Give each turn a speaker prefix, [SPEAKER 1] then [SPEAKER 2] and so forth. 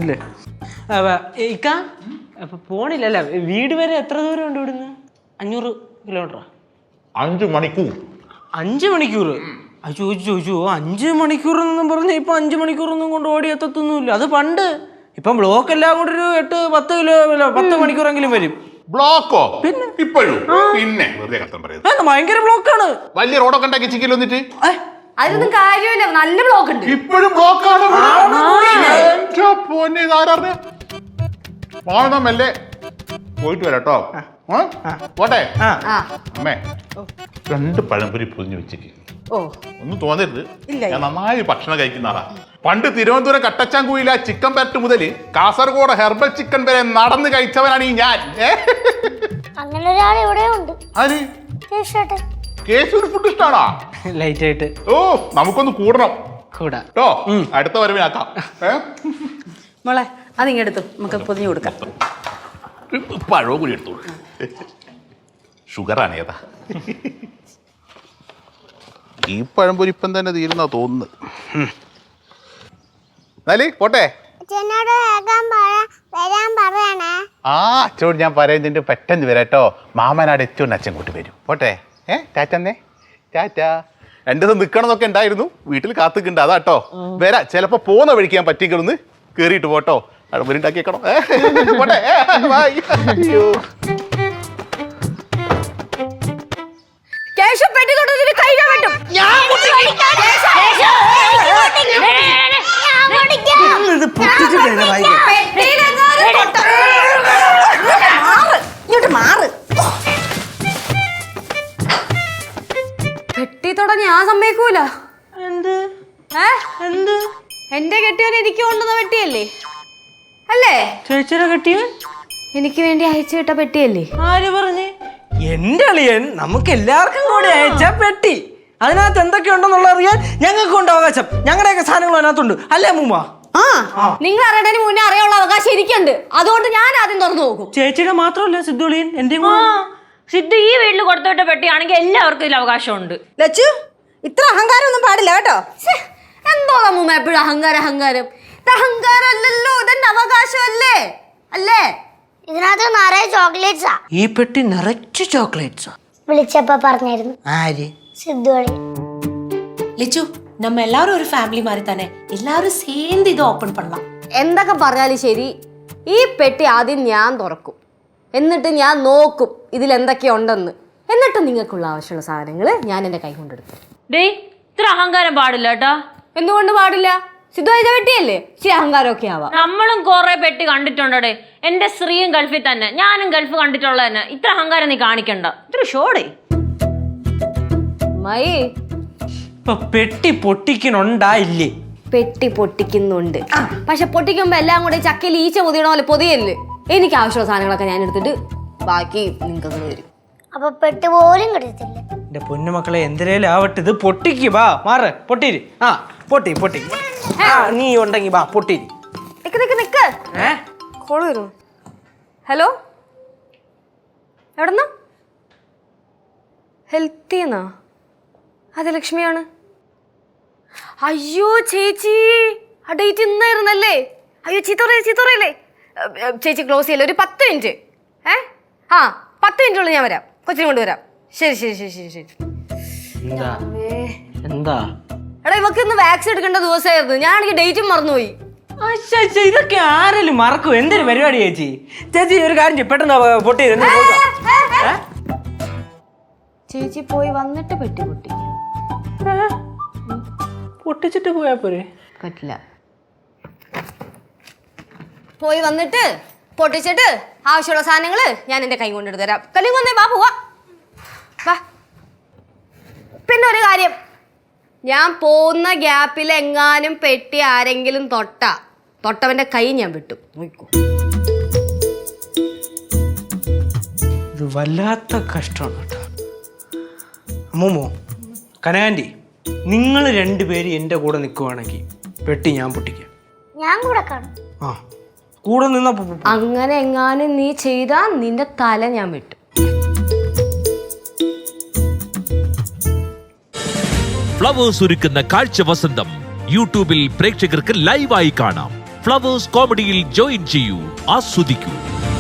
[SPEAKER 1] ഇല്ലേ ഇക്ക അപ്പൊ പോണില്ലല്ല. വീട് വരെ എത്ര ദൂരം ഉണ്ട് ഇവിടുന്ന്? 500 കിലോമീറ്ററാ?
[SPEAKER 2] 5 മണിക്കൂർ.
[SPEAKER 1] 5 മണിക്കൂർ? ചോദിച്ചു 5 മണിക്കൂർ എന്നും പറഞ്ഞ ഇപ്പൊ 5 മണിക്കൂറൊന്നും കൊണ്ട് ഓടി എത്തത്തൊന്നുമില്ല. അത് പണ്ട്. ഇപ്പം ബ്ലോക്ക് എല്ലാം കൂടെ ഒരു 8-10 മണിക്കൂറെങ്കിലും വരും.
[SPEAKER 2] ബ്ലോക്കോ? പിന്നെ ഇപ്പോഴും പിന്നെ വെറുതെ കഷ്ടം പറയുന്നത്.
[SPEAKER 1] ഭയങ്കര ബ്ലോക്കാണ്.
[SPEAKER 2] വലിയ റോഡൊക്കെ ഉണ്ടാക്കി ചിക്കൽ വന്നിട്ട്
[SPEAKER 3] അതിനൊന്നും കാര്യമില്ല. നല്ല ബ്ലോക്ക് ഉണ്ട്.
[SPEAKER 2] ഇപ്പോഴും ബ്ലോക്കാണ്. മെല്ലെ പോയിട്ട് വരാട്ടോ. പോട്ടെ അമ്മേ. 2 പഴംപൊരി പൊതിഞ്ഞു വെച്ചിട്ട് ഒന്നും തോന്നരുത്. ഞാൻ നന്നായി ഭക്ഷണം കഴിക്കുന്ന ആളാ. പണ്ട് തിരുവനന്തപുരം കട്ടച്ചാങ്കുയില ചിക്കൻ പെരട്ട് മുതൽ കാസർഗോഡ് ഹെർബൽ ചിക്കൻ വരെ നടന്ന് കഴിച്ചവനാണ് ഈ ഞാൻ.
[SPEAKER 4] അങ്ങനെ ഒരാൾ ഇവിടെ ഉണ്ട്.
[SPEAKER 2] ആര്? കേശുവിന് ഫുഡ് ഇഷ്ടാണോ?
[SPEAKER 1] ലൈറ്റ് ആയിട്ട്.
[SPEAKER 2] ഓ നമുക്കൊന്ന് കൂടണം
[SPEAKER 1] കേട്ടോ.
[SPEAKER 2] അടുത്ത വരവിനാക്കാം.
[SPEAKER 3] മോളെ അതിങ്ങെടുത്തു, നമുക്ക് പൊതിഞ്ഞു കൊടുക്കാം.
[SPEAKER 2] പഴവും കൂടി എടുത്തോളൂ. ഷുഗറാണ് ഏതാ? ഈ പഴംപൊരി ഇപ്പം തന്നെ തീരുന്നാ തോന്നുന്നത്. എന്നാലേ പോട്ടെ. അച്ഛനോട് ഞാൻ പറയുന്നതിന്റെ പെട്ടെന്ന് വരാട്ടോ. മാമനാട് എത്തിയോണ്ട് അച്ഛൻ കൂട്ടി വരും. പോട്ടെ. ടാറ്റന്നേ. ടാറ്റ. 2 ദിവസം നിൽക്കണമെന്നൊക്കെ ഉണ്ടായിരുന്നു. വീട്ടിൽ കാത്തുക്കുണ്ട്. അതാട്ടോ വരാ. ചിലപ്പോ പോകുന്ന വഴിക്ക് ഞാൻ പറ്റിക്കളൊന്ന് കേറിയിട്ട് പോട്ടോ. പഴംപൊരി ഉണ്ടാക്കിയേക്കണം. പോട്ടെ. അയ്യോ
[SPEAKER 3] പെട്ടി തൊടാൻ ഞാൻ സമ്മതിക്കൂല.
[SPEAKER 1] എന്ത്?
[SPEAKER 3] എന്റെ കെട്ടിയവൻ എനിക്ക് കൊണ്ടുവന്ന പെട്ടിയല്ലേ? അല്ലേ?
[SPEAKER 1] ചേച്ചിയുടെ കെട്ടിയവൻ
[SPEAKER 3] എനിക്ക് വേണ്ടി അയച്ചു വിട്ട പെട്ടിയല്ലേ?
[SPEAKER 1] ആര് പറഞ്ഞേ? എന്റെ അളിയൻ നമുക്ക് എല്ലാവർക്കും കൂടി അയച്ച പെട്ടി. അതിനകത്ത് എന്തൊക്കെയുണ്ടെന്നുള്ള അറിയാൻ ഞങ്ങൾക്കുണ്ട് അവകാശം. ഞങ്ങളുടെയൊക്കെ സാധനങ്ങൾ അതിനകത്തുണ്ട്. അല്ലേ അമ്മൂമ്മ?
[SPEAKER 3] നിങ്ങൾ അറിയണതിന് മുന്നേ അറിയാനുള്ള അവകാശം എനിക്കുണ്ട്. അതുകൊണ്ട് ഞാൻ ആദ്യം തുറന്നു നോക്കും.
[SPEAKER 1] ചേച്ചിയുടെ മാത്രമല്ല സിദ്ധു അളിയൻ എന്റെ.
[SPEAKER 5] സിദ്ധു ഈ വീട്ടിൽ കൊടുത്തോട്ട പെട്ടിയാണെങ്കിൽ എല്ലാവർക്കും ഇതിൽ അവകാശമുണ്ട്.
[SPEAKER 3] ലച്ചു, ഇത്ര അഹങ്കാരം ഒന്നും പാടില്ല കേട്ടോ. എന്തോ അമ്മൂമ്മ എപ്പോഴും അഹങ്കാരം. ഇത് അഹങ്കാരം അല്ലല്ലോ, ഇതെന്റെ അവകാശമല്ലേ? അല്ലേ?
[SPEAKER 4] ഇതിനകത്ത് നിറയെ ചോക്ലേറ്റ്സാ.
[SPEAKER 1] ഈ പെട്ടി നിറച്ച് ചോക്ലേറ്റ്സാ.
[SPEAKER 4] വിളിച്ചപ്പോ പറഞ്ഞായിരുന്നു.
[SPEAKER 1] ആര്?
[SPEAKER 4] സിദ്ധു അളി.
[SPEAKER 6] ലിച്ചു, நம்ம எல்லாரும் ஒரு ஃபேமிலி மாதிரி தானே, எல்லாரும் சேர்ந்து ഇത് ഓപ്പൺ பண்ணலாம்.
[SPEAKER 3] എന്തൊക്കെ പറഞ്ഞാലും ശരി, ഈ പെട്ടി ആദ്യം ഞാൻ തുറക്കും. എന്നിട്ട് ഞാൻ നോക്കും ഇതിൽ എന്തൊക്കെയുണ്ടെന്ന്. എന്നിട്ട് നിങ്ങൾക്കുള്ള ആവശ്യമുള്ള സാധനങ്ങൾ ഞാൻ എൻ്റെ കൈ കൊണ്ടെടുക്കും.
[SPEAKER 5] ഡേയ്, ഇത്ര അഹങ്കാരം പാടില്ല കേട്ടാ.
[SPEAKER 3] എന്തുകൊണ്ട് പാടില്ല? സിദ്ധു അയച്ച പെട്ടിയല്ലേ? ഇച്ചിരി അഹങ്കാരമൊക്കെ ആവാം.
[SPEAKER 5] നമ്മളും കുറെ പെട്ടി കണ്ടിട്ടുണ്ടേ. എന്റെ സ്ത്രീയും ഗൾഫിൽ തന്നെ, ഞാനും ഗൾഫ് കണ്ടിട്ടുള്ള തന്നെ. ഇത്ര അഹങ്കാരം നീ കാണിക്കണ്ട. ഇത്ര ഷോടേ.
[SPEAKER 3] മൈ
[SPEAKER 1] ഇപ്പൊ പെട്ടി പൊട്ടിക്കണുണ്ടായില്ലേ?
[SPEAKER 3] പെട്ടി പൊട്ടിക്കുന്നുണ്ട്. പക്ഷെ പൊട്ടിക്കുമ്പോ എല്ലാം കൂടെ ചക്കയിൽ ഈച്ച പൊതിയണ പോലെ പൊതിയല്ലേ. എനിക്ക് ആവശ്യമുള്ള സാധനങ്ങളൊക്കെ ഞാൻ എടുത്തിട്ട് ബാക്കി നിങ്ങൾക്ക് തരും.
[SPEAKER 4] അപ്പൊ പെട്ടി പോലും കിടത്തില്ല.
[SPEAKER 1] എന്റെ പൊന്നുമക്കളെ എന്തിനേലും ആവട്ടെ, ഇത് പൊട്ടിക്ക്. വാ മാറ്. പൊട്ടിരി. പൊട്ടി. നീ ഉണ്ടെങ്കി വാ പൊട്ടിരി.
[SPEAKER 3] നിക്ക്. കോള് വരും. ഹലോ, എവിടെന്നാ? ഹെൽത്തിന്നാ? അതെ, ലക്ഷ്മിയാണ്. അയ്യോ ചേച്ചി, ആ ഡേറ്റ് ഇന്നായിരുന്നല്ലേ? അയ്യോ ചീത്തറയില്ലേ ചേച്ചി. ക്ലോസ് ചെയ്യല്ലേ, ഒരു 10 മിനിറ്റ്. 10 മിനിറ്റുള്ളിൽ ഞാൻ വരാം. കൊച്ചിനെ കൊണ്ടുവരാം. ശരി.
[SPEAKER 1] എന്താ?
[SPEAKER 3] എടാ, ഇവക്ക് ഇന്ന് വാക്സിൻ എടുക്കേണ്ട ദിവസമായിരുന്നു. ഞാനാണെങ്കിൽ ഡേറ്റും മറന്നുപോയി.
[SPEAKER 1] ഇതൊക്കെ ആരെങ്കിലും മറക്കും? എന്തൊരു പരിപാടി ചേച്ചി. ഒരു കാര്യം ചെയ്യ്, പെട്ടെന്ന് പൊട്ടി.
[SPEAKER 3] ചേച്ചി പോയി വന്നിട്ട് പെട്ടി
[SPEAKER 1] പൊട്ടിച്ചിട്ട് പോയാ പോരെ?
[SPEAKER 3] പറ്റില്ല. പോയി വന്നിട്ട് പൊട്ടിച്ചിട്ട് ആവശ്യമുള്ള സാധനങ്ങള് ഞാൻ എന്റെ കൈ കൊണ്ടെടുത്ത് തരാം. കല്ലിങ് വന്നേ, വാ പോവാ. പിന്നെ ഒരു കാര്യം, ഞാൻ പോകുന്ന ഗ്യാപ്പിൽ എങ്ങാനും പെട്ടി ആരെങ്കിലും തൊട്ടവന്റെ കൈ ഞാൻ വിട്ടു. നോക്കൂ.
[SPEAKER 1] ഇത് വല്ലാത്ത കഷ്ടമാണ് കേട്ടോ. അമ്മൂമ്മോ, കനകാന്റി, നിങ്ങൾ 2 പേര് എൻ്റെ കൂടെ നിൽക്കുവാണെങ്കിൽ പെട്ടി ഞാൻ പൊട്ടിക്കാം.
[SPEAKER 4] ഞാൻ കൂടെ കാണും.
[SPEAKER 1] കൂടെ നിന്ന
[SPEAKER 3] അങ്ങനെ എങ്ങാനും നീ ചെയ്താ നിന്റെ തല ഞാൻ വിട്ടു.
[SPEAKER 7] ഫ്ലവേഴ്സ് ഒരുക്കുന്ന കാഴ്ച വസന്തം യൂട്യൂബിൽ പ്രേക്ഷകർക്ക് ലൈവായി കാണാം. ഫ്ലവേഴ്സ് കോമഡിയിൽ ജോയിൻ ചെയ്യൂ, ആസ്വദിക്കൂ.